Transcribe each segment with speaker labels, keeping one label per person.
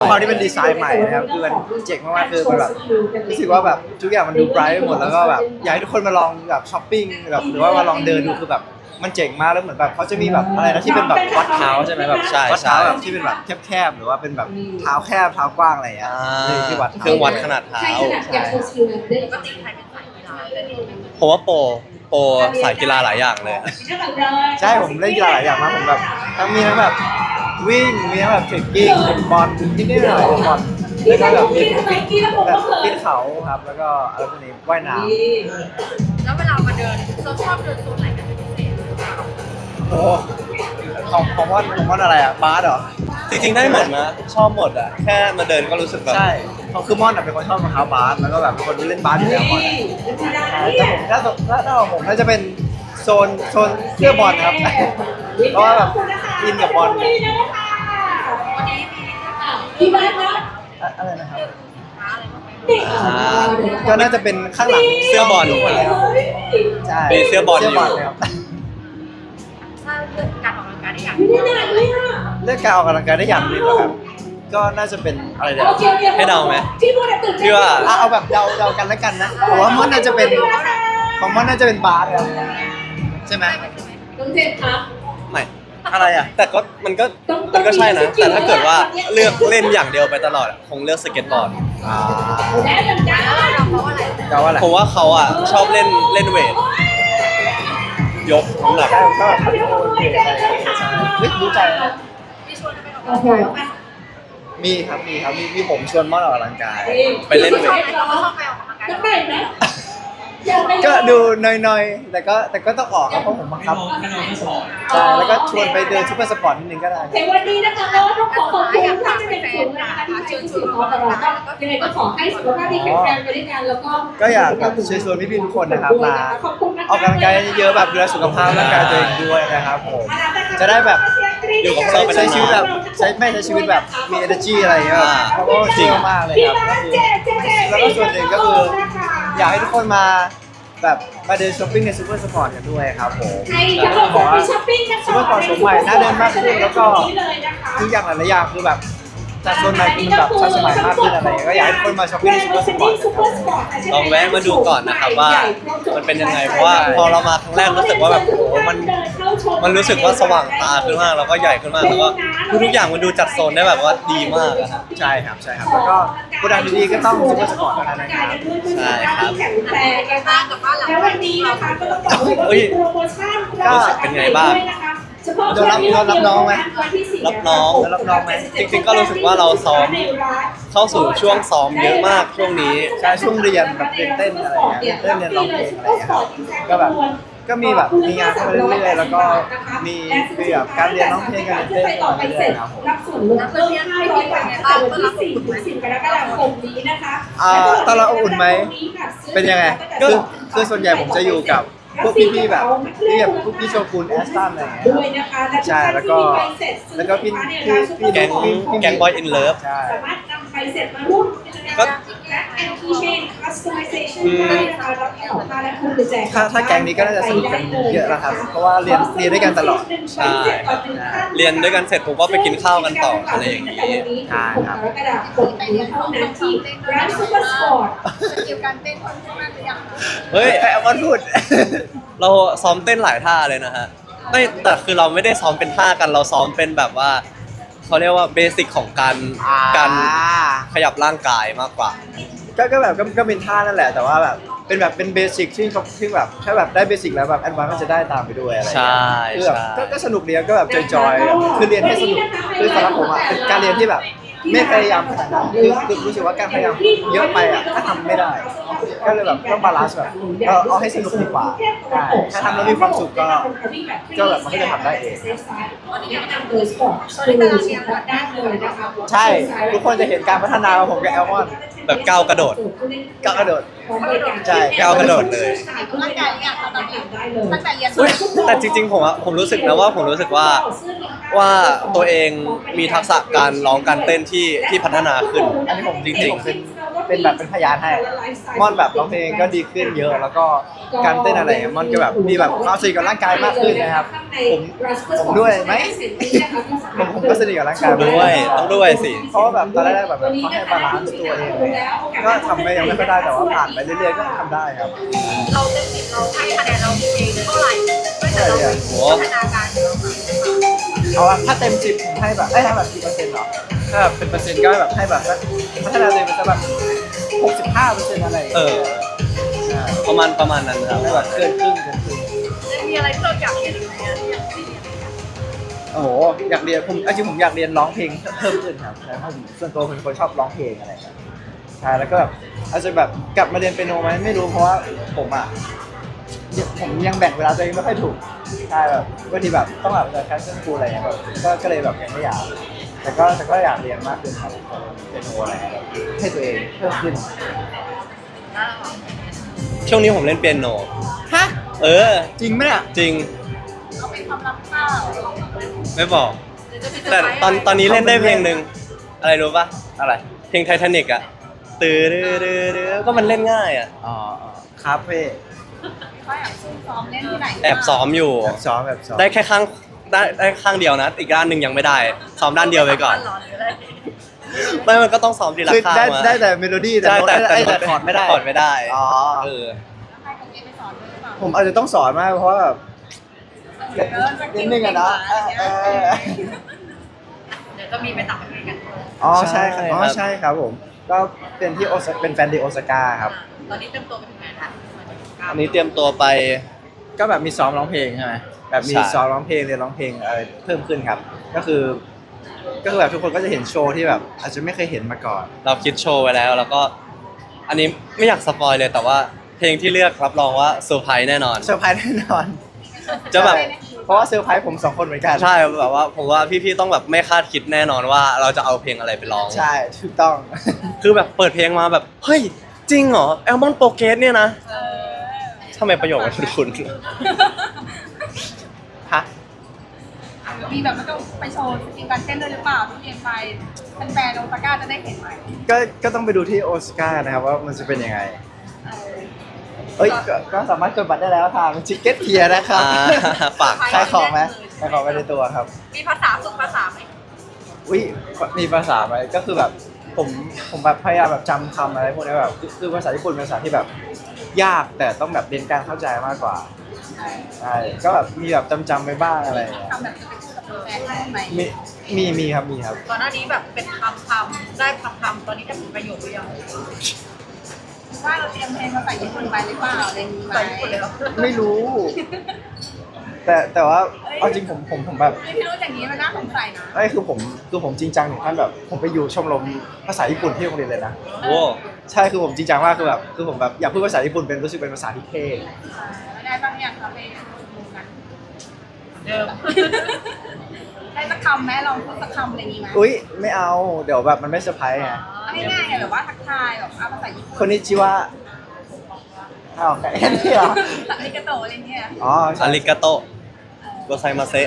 Speaker 1: ความที่เป็นดีไซน์ใหม่นะครับคือมันเจ๋งมากๆคือมันแบบรู้สึกว่าแบบทุกอย่างมันดูไบรท์ไปหมดแล้วก็แบบอยากให้ทุกคนมาลองแบบช้อปปิ้งแบบหรือว่ามาลองเดินดูคือแบบมันเจ๋งมากแล้วเหมือนแบบเขาจะมีแบบอะไรนะที่เป็นแบบวัดเท้าใช่ไหมแบบ
Speaker 2: ใช่
Speaker 1: วัดเท้า
Speaker 2: ใช่
Speaker 1: แบบที่เป็นแบบแคบๆหรือว่าเป็นแบบเท้าแคบเท้ากว้างอะไรอย่างเงี้ยที่วัด
Speaker 2: เครื่องวัดขนาดเท้า
Speaker 1: ใช่
Speaker 3: ปกติใครเป็นสายกีฬาเลย
Speaker 2: ผมว่าโปรสายกีฬาหลายอย่างเลย
Speaker 1: ใช่ผมเล่นกีฬาหลายอย่างมากผมแบบทั้งแบบวิ่งมีทั้งแบบเทรคกิ้งบอลนิดๆหน่อยๆบอลแล้วก็แบบมีแบบปีนเขาครับแล้วก็อะไรพวกนี้ว่ายน้ำ
Speaker 3: แล้วเวลามาเดินเราชอบเดินโซนไหนกันเป็นพิเศษ
Speaker 1: โอ้ของว่านอะไรอ่ะบาสเหรอ
Speaker 2: จริงๆได้หมดนะชอบหมดอ่ะแค่มาเดินก็รู้สึกแบบ
Speaker 1: ใช่เขาคือม่อนเป็นคนชอบรองเท้าบาสแล้วก็แบบเป็นคนที่เล่นบาสอยู่แล้วม่อนแต่ผมถ้าของผมน่าจะเป็นโซนเสื้อบอลครับเพราะว่าแบบอินกับบอล
Speaker 3: วันนี้มี
Speaker 4: พี่บ้านนะ
Speaker 1: อะไรนะครับ
Speaker 3: ม้าอะไรบ้างไหม
Speaker 1: ก็น่าจะเป็นข้างหลัง
Speaker 2: เสื้อบอล
Speaker 1: ใช่
Speaker 2: เป็นเสื้อบอลอยู่
Speaker 1: ครับ
Speaker 3: ถ้าเลือกการออกกำลังกายได้อย่าง
Speaker 4: ไม่ได้หนักเลยอ่ะ
Speaker 1: เรื่องการออกกำลังกายได้อย่างหนึงเหรอครับก็น่าจะเป็นอะไรเดี๋ยว
Speaker 4: โอเคโอเค
Speaker 2: ให้เดาไหม
Speaker 4: พี่พูดตื่น
Speaker 2: พี่ว่า
Speaker 1: เอาแบบเดากันแล้วกันนะผมว่าม่อนน่าจะเป็นของม่อนน่าจะเป็นบาสครับใช่ไหม
Speaker 4: น้องเจนครับ
Speaker 2: ไม่
Speaker 1: อะไรอ่ะ
Speaker 2: แต่ก็มันก็ใช่นะ แต่ถ้าเกิดว่าเลือกเล่นอย่างเดียวไปตลอดอะคงเลือกสเก็ตบอร์ด
Speaker 4: และเหมือนกัน
Speaker 3: เราเพราะอะไร
Speaker 1: เดาว่าอะไร
Speaker 2: ผมว่าเขาอ่ะชอบเล่นเวทยกน้ำหนัก
Speaker 1: ใช่ผมก็แบบโอเคอะไรอย่างเงี้ยใช่เฮ้ยรู้ใจนะ
Speaker 3: มีชวนไปออกกำลังกายบ้างไหม
Speaker 1: มีครับมีผมชวนม่อนออกกำลังกาย
Speaker 2: ไปเล่นเว
Speaker 3: ชอบ
Speaker 2: ท
Speaker 3: ไปเราชอบไปออกกำลังกาย
Speaker 4: จะไปไหมอยากไป
Speaker 1: ก็ดูหน่อยๆแต่ก็ต้องออกครับเพราะผมบังคับใช่แล้วก็ชวนไปเดินซุปเปอร์สปอร์ตนิดนึงก็ได้
Speaker 4: ในวันนี้นะคะก็ต้องขอขอบคุณท่านที่เป็นศูนย์นะคะที่เชิญชวนเราตลอดก็ยังไงก็ขอให้สุขภาพดีแข็งแรงไปด้วยกันแล้วก็
Speaker 1: ก็อยากแบบเชิญชวนพี่ๆทุกคนนะครับมาออกกำลังกายเยอะๆแบบดูแลสุขภาพร่างกายตัวเองด้วยนะครับผมจะได้แบบ
Speaker 2: อยู่กับเราไป
Speaker 1: ใช้
Speaker 2: นานๆ
Speaker 1: ชีวิตแบบใช้ชีวิตแบบมี energy อะไรอย่างเงี้ยแบบเพราะว่าจริงมากเลยครับแล้วก็ส่วนหนึ่งก็คืออยากให้ทุกคนมาแบบมาเดินช้อปปิ้งในซูเปอร์สปอร์ตกันด้วยครับผม
Speaker 4: ให้ทั้งหมดไปช้อปปิ้งนะคะ
Speaker 1: ซูเปอร์สปอร์ตสมใหม่น่าเดินมากขึ้นแล้วก็ทุกอย่างหลายๆอย่างคือแบบจัดโซนใหม่คือมันแบบทันสมัยมากขึ้นอะไรอย่างเงี้ยก็อยากให้ทุกคนมาช้อปปิ้งในซูเปอร์สปอร์ตนะครับ
Speaker 2: ลองแวะมาดูก่อนนะครับว่ามันเป็นยังไงเพราะว่าพอเรามาครั้งแรกรู้สึกว่าแบบโอ้โหมันรู้สึกว่าสว่างตาขึ้นมากแล้วก็ใหญ่ขึ้นมากแล้วก็ทุกอย่างมันดูจัดโซนได้แบบว่าดีมากอะฮะ
Speaker 1: ใช่ครับแล้วก็โปรดักต์ดีๆก็ต้องซูเปอร์สปอร์ตเท่านั้นนะครับ
Speaker 2: ใช่ครับ
Speaker 4: แข็งแรง
Speaker 3: ไปบ้านกับบ้านหลัง
Speaker 4: แล้ววันนี้นะคะก็ต้องบอกเลยว่ามีโปรโมชั่น
Speaker 2: รู้สึกเป็นไงบ้าง
Speaker 4: เฉพาะ
Speaker 1: โดนรับน้องไหม
Speaker 2: รับน้อง
Speaker 1: รับน้องไหม
Speaker 2: จริงๆก็รู้สึกว่าเราซ้อมเข้าสู่ช่วงซ้อมเยอะมากช่วงนี้
Speaker 1: ใช่ช่วงเรียนแบบเรียนเต้นอะไรอย่างเงี้ยเต้นเรียนร้องเพลงอะไรอย่างเงี้ยครับก็แบบก็มีแบบมีงานเข้ามาเรื่อยๆแล้วก็มีแบบการเรียนร้องเพลงการเรียนเต้นเข้ามาเรื่อยๆครับผม
Speaker 4: รับส่วนลดเพิ่ม500 บาทตั้งแต่วันที่4ถึง10กรกฎาคมนี้นะคะ
Speaker 1: ตอนเราอบอุ่นไหมเป็นยังไงคือส่วนใหญ่ผมจะอยู่กับพวกพี่ๆแบบที่แบบพวกพี่โชกุนแอสตันอะไรอย่างเงี้ย
Speaker 4: ด้วยนะคะ
Speaker 1: ใช่แล้วก็พี่
Speaker 2: แก๊งบอยอินเลิฟ
Speaker 1: ใช่
Speaker 4: สามารถนำใบเสร็จมาร่วมกิจกรรม
Speaker 2: ก็
Speaker 4: และแอนทีเชนคัสตอมไมเซชันได้นะคะรับของค่าและคุณแจก
Speaker 1: ถ้าแก๊งนี้ก็น่าจะสนุกกันเยอะแล้วครับเพราะว่าเรียนด้วยกันตลอด
Speaker 2: ใช่เรียนด้วยกันเสร็จผมก็ไปกินข้าวกันต่ออะไรอย่างนี้
Speaker 1: ใช่ครับ
Speaker 4: กรกฎาคมนี้เท่านั้นที่ร้านซูเปอร์สปอร์ต
Speaker 3: สกิลการเต้นค่อนข้างหรือยัง
Speaker 2: เฮ้ย
Speaker 1: ไอ้ออนพูด
Speaker 2: เราซ้อมเต้นหลายท่าเลยนะฮะไม่แต่คือเราไม่ได้ซ้อมเป็นท่ากันเราซ้อมเป็นแบบว่าเขาเรียกว่าเบสิกของการขยับร่างกายมากกว่า
Speaker 1: ก็แบบก็เป็นท่านั่นแหละแต่ว่าแบบเป็นเบสิกที่แบบถ้าแบบได้เบสิกแล้วแบบแอดวานซ์ก็จะได้ตามไปด้วยอะไรอย่างเงี้ยคือแบบก็สนุกดีก็แบบจอยๆคือเรียนให้สนุกคือสำหรับผมอ่ะเป็นการเรียนที่แบบไม่พยายามขนาดนั้นคือรู้สึกว่าการพยายามเยอะไปอ่ะถ้าทำไม่ได้ ก็เลยแบบต้องบาลานซ์แบบเอาให้สนุกดีกว่าใช่ถ้าทำแล้วมีความสุขก็แบบมันก็จะทำได้เอง
Speaker 4: วันนี้แนะนำโดยสปอร์ตคือสปอร์ตได้เลยนะคะ
Speaker 1: ใช่ทุกคนจะเห็นการพัฒนาของผมกับแอลมอน
Speaker 2: แบบก้าวกระโดด
Speaker 1: ก้าวกระโดด ใช่
Speaker 2: ก้าวกระโดดเลย
Speaker 3: ร่างกายเนี่ยตอนนี้ตั้งแต่เรียน
Speaker 2: อุ๊ยแต่จริงๆผมรู้สึกนะว่าผมรู้สึกว่าตัวเองมีทักษะการร้องการเต้นที่พัฒนาขึ้น
Speaker 1: อันนี้ผม
Speaker 2: จริง
Speaker 1: เป็นแบบเป็นพยานให้ม่อนแบบร้องเพลงก็ดีขึ้นเยอะแล้วก็การเต้นอะไรม่อนก็แบบมีแบบความสนิทกับร่างกายมากขึ้นนะครับผมด้วยไหมผมก็สนิทกับร่างกาย
Speaker 2: ด้วยต้องด้วยสิ
Speaker 1: เพราะว่าแบบตอนแรกๆแบบเขาให้บาลานซ์ตัวเองก็ทำไปยังไม่ค่อยได้แต่ว่าผ่านไปเรื่อยๆก็ทำได้ครับ
Speaker 3: เราเต็มสิบเราให้คะแนนเราเองเท่าไหร่ด้วยแต่เราพัฒนาการของเรา
Speaker 1: เอาละถ้าเต็ม10ผมให้แบบให้แบบกี่เปอร์เซ็นต์หรอถ้าแบบเป็นเปอร์เซ็นต์ก็แบบให้แบบสักพัฒนาตัวเองเป็นสักแบบ65%อะไรอย่าง
Speaker 2: เอ
Speaker 1: เงี้ย
Speaker 2: อ
Speaker 1: ใช่
Speaker 2: ประมาณนั้นครับ
Speaker 1: ให้แบบเกินครึ่ง
Speaker 3: มีอะไรที่เราอยากเรียนอีกไหมที่ยังไม่ได้เรียน
Speaker 1: โอ้โหอยากเรียนผมจริงผมอยากเรียนร้องเพลงเพิ่มขึ้นครับใช่เพราะผมส่วนตัวเป็นคนชอบร้องเพลงอะไรครับใช่แล้วก็แบบอาจจะแบบกลับมาเรียนเปียโนไหมไม่รู้เพราะว่าผมยังแบ่งเวลาตัวเองไม่ค่อยถูกใช่แบบบางทีแบบต้องแบบจะแคสเซิลคูลอะไรเงี้ยแบบก็เลยแบบยังไม่อยากแต่ก็อยากเรียนมากขึ้นครับเปียโนอะไรเงี้ยแบบให้ตัวเองเพิ่มขึ้น
Speaker 2: ช่วงนี้ผมเล่นเปียโน
Speaker 1: ฮะ
Speaker 2: เออ
Speaker 1: จริงไหมเนี่ย
Speaker 2: จริง
Speaker 3: เขาเป็นความลับเปล่า
Speaker 2: ไม่บอก แต่ตอนนี้เล่นได้เพลงหนึ่งอะไรรู้ป่ะ
Speaker 1: อะไร
Speaker 2: เพลงไททานิกอะตื้อดื้อก็มันเล่นง่ายอะ
Speaker 1: อ๋อคาเฟ่
Speaker 3: เขาอยากซุ่มซ้อมเล่นที่ไหน
Speaker 2: แอบซ้อมอยู่
Speaker 1: แบบซ้อม
Speaker 2: ได้แค่ข้างได้ข้างเดียวนะ อีกด้านหนึ่งยังไม่ได้ ซ้อมด้านเดียวไปก่อน ไม่มันก็ต้องซ้อมทีละ
Speaker 1: คือ
Speaker 2: ข้าง
Speaker 1: ได้
Speaker 2: มา
Speaker 1: ได้แต่เมโลดี้แต่
Speaker 2: ใช่
Speaker 1: โน้ต แต่คอร์ดไม่ได้
Speaker 2: คอร์ดไม่ได้
Speaker 1: อ๋อ
Speaker 2: เออ
Speaker 3: ใครคนนี้ไปสอนด้วยหรือเปล่า
Speaker 1: ผมอาจจะต้องสอนมากเพราะว่าแบบนิดนึงอะนะ
Speaker 3: เดี๋ยวก็มีไปต่างประเทศกัน
Speaker 1: อ๋อใช่ครับอ๋อ
Speaker 2: ใช่ครับ
Speaker 1: ใช่ครับผม ก็เป็นที่เป็นแฟนดีโอซาก้าครับ
Speaker 3: ตอนนี้เต็มตัวไปถึงไหนคะ
Speaker 2: อันนี้เตรียมตัวไป
Speaker 1: ก็แบบมีซ้อมร้องเพลงใช่ไหมแบบมี
Speaker 2: ใช่
Speaker 1: ซ้อมร้องเพลงเรียนร้องเพลงอะไรเพิ่มขึ้นครับ ก็คือแบบทุกคนก็จะเห็นโชว์ที่แบบอาจจะไม่เคยเห็นมาก่อน
Speaker 2: เราคิดโชว์ไว้แล้วแล้วก็ อันนี้ไม่อยากสปอยเลยแต่ว่าเพลงที่เลือกรับรองว่าเซอร์ไพรส์แน่นอน
Speaker 1: เซอร์ไพรส์แน่นอน
Speaker 2: จะแบบ
Speaker 1: เพราะว่าเซอร์ไพรส์ผม2 คนเหมือนกัน
Speaker 2: ใช่แบบว่าผมว่าพี่ๆต้องแบบไม่คาดคิดแน่นอนว่าเราจะเอาเพลงอะไรไปร้อง
Speaker 1: ใช่ถูกต้อง
Speaker 2: คือแบบเปิดเพลงมาแบบเฮ้ยจริงเหรอแอลมอนโปรเกรสเนี่ยนะทำไมประโยคมันคุ้น
Speaker 1: ฮะ
Speaker 3: มีแบบมันต้องไปโชว์สกิลการเต้นด้วยหรือเปล่าที่เรียนไปแฟนๆโอซาก้าจะได้เห็นไหม
Speaker 1: ก็ต้องไปดูที่โอสการ์นะครับว่ามันจะเป็นยังไง เอ้ยก็สามารถกดบัตรได้แล้วทางชิคเก็ตเทียนะครับ
Speaker 2: ฝาก
Speaker 1: ขายของไหมขายของไปในตัวครับ
Speaker 3: มีภาษาฝึกภาษาไหม
Speaker 1: อุ้ยมีภาษาไหมก็คือแบบผมแบบพยายามแบบจำคำอะไรพวกนี้แบบคือภาษาญี่ปุ่นเป็นภาษาที่แบบยากแต่ต้องแบบเรียนการเข้าใจมากกว่าใช่ก็แบบมีแบบจำไปบ้างอะไรอย่างเงี้ย
Speaker 3: ทำแบบจะไปพูดกับแฟนๆได้ไหม
Speaker 1: มีครับมีครับ
Speaker 3: ก่อนหน้านี้แบบเป็นคำได้คำตอนนี้จะเป็นประโยคหรือยังว่าเราเตรียมเพลงมาใส่ญี่ปุ่นไปหรือเปล่าอะไรนี้ไหมใส่ญี่ปุ่นเลยเหรอ
Speaker 1: ไม่รู้ แต่ว่าเอาจริงผมแบบ
Speaker 3: พี่รู้อย่างนี้มันน่าสงสัยนะ
Speaker 1: ไอ้คือผมจริงจังถึงขั้นแบบผมไปอยู่ชมรมภาษาญี่ปุ่นที่โรงเรียนเลยนะ
Speaker 2: โอ้
Speaker 1: ใช่คือผมจริงจังมากคือผมแบบอยากพูดภาษาญี่ปุ่นเป็นรู้สึกเป็นภาษาที่เท่
Speaker 3: แล้วได้บ้างยังคะเพลงดูกันเดิมได้สักคำไหมลองพูดสักคำอะไรนี้ไหม
Speaker 1: อุ้ยไม่เอาเดี๋ยวแบบมันไม่เซอร์ไพรส์ไง
Speaker 3: ง่ายๆแบบว่าทักทายแบบภาษาญี่ปุ่น
Speaker 1: คนนี้ชื่อว่าอ้าวแค่นี้เหรอ
Speaker 3: อาริกาโตะอะไรเงี้ย
Speaker 1: อ๋อ
Speaker 2: อาริกาโตะโกไซมาเซะ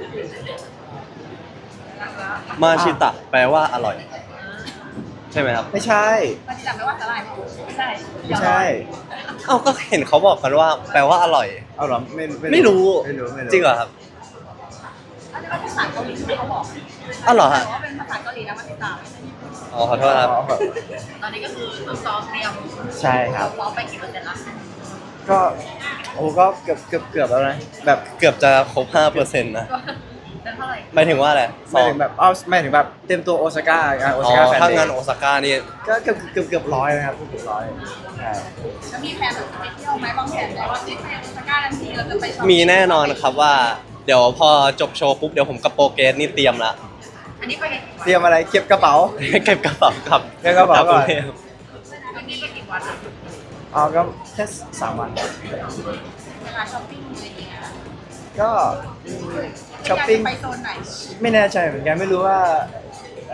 Speaker 2: มาชิตะแปลว่าอร่อย ใช่ไหมครับ
Speaker 1: ไม่ใช่
Speaker 3: มันจำไม่ว่าสลายไม่ใช่
Speaker 1: ไม่ใช่
Speaker 2: เอ้าก็เห็นเขาบอกกันว่าแปลว่าอร่อย
Speaker 1: เอาเหรอ
Speaker 2: ไม่รู้
Speaker 1: ไม่รู้
Speaker 2: จริงเหรอครับ
Speaker 3: อันนี้เป็นภาษาเกาหลีที่เขาบอก
Speaker 2: อ้าวเหรอฮะ
Speaker 3: ว่าเป็นภาษาเกาหลีนะมันติดตาม
Speaker 2: อ๋อขอโทษครับ
Speaker 3: ตอนนี้ก็คือซ้อมเตรียม
Speaker 1: ใช่ครับ
Speaker 3: ซ้อมไปกี่เปอร์เซ็นต์ละ
Speaker 1: ก็โอ้ก็เกือบแล้วนะแบบ
Speaker 2: เกือบจะครบ 5%นะ
Speaker 3: เป็นเท่าไหร่
Speaker 2: หมายถึงว่าอะไร
Speaker 1: หมายถึงแบบไม่ถึงแบบเต็มตัวโอซาก้างานโอ
Speaker 2: อ๋
Speaker 1: ซา
Speaker 2: อ
Speaker 1: ก้าแฟน
Speaker 2: ถ้า
Speaker 1: เด
Speaker 2: งาน
Speaker 1: ย์
Speaker 2: โอซาก้านี่
Speaker 1: ก็เกือบ100นะครับเกือบ100ใช่
Speaker 3: แล้วมีแผนแบบไปเที่ยวไหมบางแผนไหมว่าที่ไปโอซาก้าทันทีเราจะไปช็อป
Speaker 2: มีแน่นอนครับว่า เดี๋ยวพอจบโชว์ปุ๊บเดี๋ยวผมกับโปรเกรสนี่เตรียมละ
Speaker 3: อันนี้ไปกี่วัน
Speaker 1: เตรียมอะไรเก็บกระเป๋า
Speaker 2: เก็บกระเป๋าครับ
Speaker 1: เก็บกระเป๋าก่อน
Speaker 2: ลับรุงทพ
Speaker 3: อันนี้ไปกี่วันอะ
Speaker 1: เอาก็แค่3 วัน
Speaker 3: เวลาช้อปปิ้งอะไรอย่างเงี้ย
Speaker 1: ก็ช้อปปิ้ง
Speaker 3: ไปโซนไหน
Speaker 1: ไม่แน่ใจเหมือนกันไม่รู้ว่า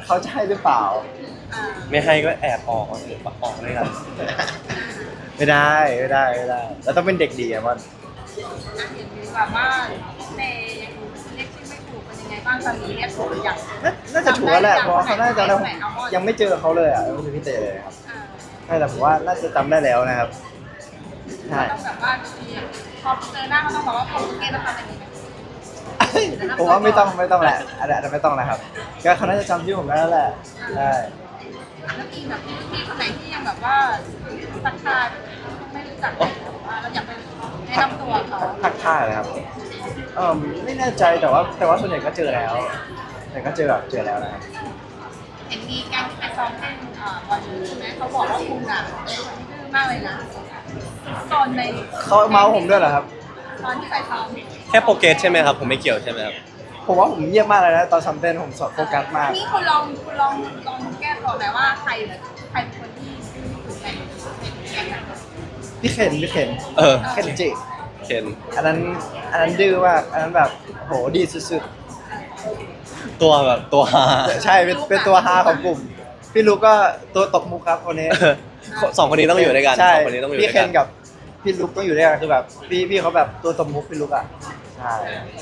Speaker 1: เขาจะให้หรือเปล่า
Speaker 2: ไม่ให้ก็แอบออกหรือออกด้วยกัน
Speaker 1: ไม่ได้แล้วต้องเป็นเด็กดีอะมัน
Speaker 3: เห็นแบบว่าเตยังเรียกชื่อไม่ถูกเป็นยังไงบ้างตอนนี้เรียกถูกหรือยัง
Speaker 1: น่าจะถูกแล้วแหละเพราะว่าเขาน่าจะจำได้ยังไม่เจอเขาเลยอ่ะไม่เจอพี่เตเลยครับใช่แต่ผมว่าน่าจะจำได้แล้วนะครับใช่
Speaker 3: ต้องแบบว่าพอเจอหน้าเขาต้องบอกว่าผมเกณฑ์ต้องทำอะไรดีไหม
Speaker 1: ผมว่าไม่ต้องแหละอาจจะไม่ต้องนะครับก็เขาน่าจะจำชื่อผมได้แล้วแหละใช่
Speaker 3: แล้วมีแบบพี่คนไหนที่ยังแบบว่าทักทายไม่รู้จักเลยว่าเราอยากไปแนะนำตัวเขา
Speaker 1: ทักทายเลยครับไม่แน่ใจแต่ว่าส่วนใหญ่ก็เจอแล้วแต่ก็เจอแล้วนะครับ
Speaker 3: เห็นมีแก๊งที่ไปซ้อมเต้นบอลใช่ไหมเขาบอกว่าคุณอ่ะเป็นคนที่ดื้อมากเลยนะตอนใน
Speaker 1: เขาเมาส์ผมด้วยเหรอครับ
Speaker 3: ตอนที่ไปซ้อม
Speaker 2: แค่โปรเกรสใช่ไหมครับผมไม่เกี่ยวใช่ไหมครับ
Speaker 1: ผมว่าผมเยี่ยมมากเลยนะตอนซัมเต้นผมโฟกัสมาก
Speaker 3: นี่คุณลองแก้ตัวไหมว่าใครเป็นคนที่ถูกในแก๊งนั้น
Speaker 1: พี่เข็น เคนจิ
Speaker 2: เคน
Speaker 1: อันนั้นดื้อมากอันนั้นแบบโหดีสุด
Speaker 2: ตัวแบบตัวฮา
Speaker 1: ๆใช่เป็นตัวฮาของกลุ่มพี่ลูกก็ตัวตบมุกครับคนนี้
Speaker 2: สองคนนี้ต้องอยู่ด้วยกัน
Speaker 1: ใช่
Speaker 2: สองคนนี้ต้องอยู่
Speaker 1: พี่
Speaker 2: ด้วย
Speaker 1: เคน
Speaker 2: กัน
Speaker 1: กับพี่ลูกต้องอยู่ด้วยกันคือแบบพี่เขาแบบตัวตบมุกพี่ลูกอ่ะใช่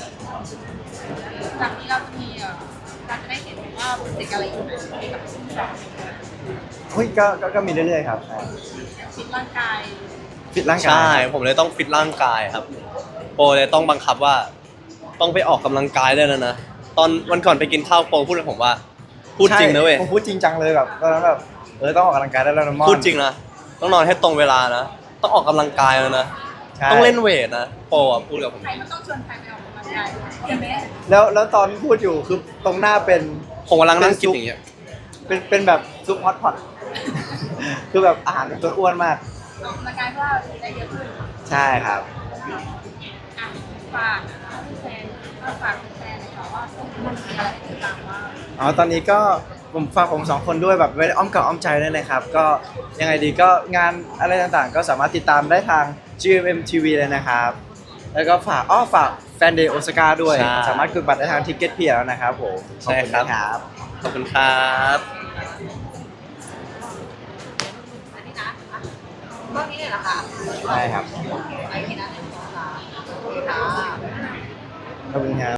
Speaker 3: จากนี้เราจะมีเราจะได้เห็นว่าโปรเจกต์อะไรอยู่ในกับซึ่งเรา
Speaker 1: เฮ้ยก็มีเรื่อยๆครับใช่
Speaker 3: ฟิตร่างกาย
Speaker 1: ฟิตร่างกาย
Speaker 2: ใช่ผมเลยต้องฟิตร่างกายครับ โปรเลยต้องบังคับว่า ต้องไปออกกำลังกายได้แล้วนะตอนวันก่อนไปกินข้าวโปรพูดกับผมว่า พูดจริงนะเว้ย
Speaker 1: ผมพูดจริงจังเลยแบบตอนนั้นแบบต้องออกกำลังกายได้แล้วนะมอน
Speaker 2: พูดจริงนะต้องนอนให้ตรงเวลานะต้องออกกำลังกายแล้วนะ
Speaker 1: ใช่
Speaker 2: ต้องเล่นเวทนะโปรอะพูดกับผม
Speaker 3: ใครมันต้องชวนใครไปออกกำลังกายใช่ไหม
Speaker 1: แล้วตอนพูดอยู่คือตรงหน้าเป็น
Speaker 2: ผมกำลังนั่งกินอย่างเงี้ย
Speaker 1: เป็นแบบซุปฮอตพอต คือแบบอาหารตัวอ้วนมาก
Speaker 3: ออกกำลังกายเพื่อได้เยอะขึ้น
Speaker 1: ใช่ครับ
Speaker 3: อ่ะฝากแฟนฝากแฟนเลยค่ะว่ามันมีอะไรให้ติดตามบ้าง
Speaker 1: อ๋อตอนนี้ก็ผมฝากผมสองคนด้วยแบบไว้อ้อมกับอ้อมใจด้วยนะครับ ก็ยังไงดีก็งานอะไรต่างๆ ก็สามารถติดตามได้ทาง GMM TV เลยนะครับ แล้วก็ฝากแฟนเดย์โอซาก้าด้วย
Speaker 2: ใช่
Speaker 1: สามารถกดบัตรได้ทางทิกเก็ตเพียแล้วนะครับผม
Speaker 2: ใช่ครับ
Speaker 1: ขอบคุณนะ
Speaker 2: ขอบคุณครับ
Speaker 3: อันนี้นะบ้างนี้เนี่ยเหรอคะ
Speaker 1: ใช่ครับ
Speaker 3: ไอ้ที่นั่นเนี่ยค่ะ
Speaker 1: ขอบคุณครับ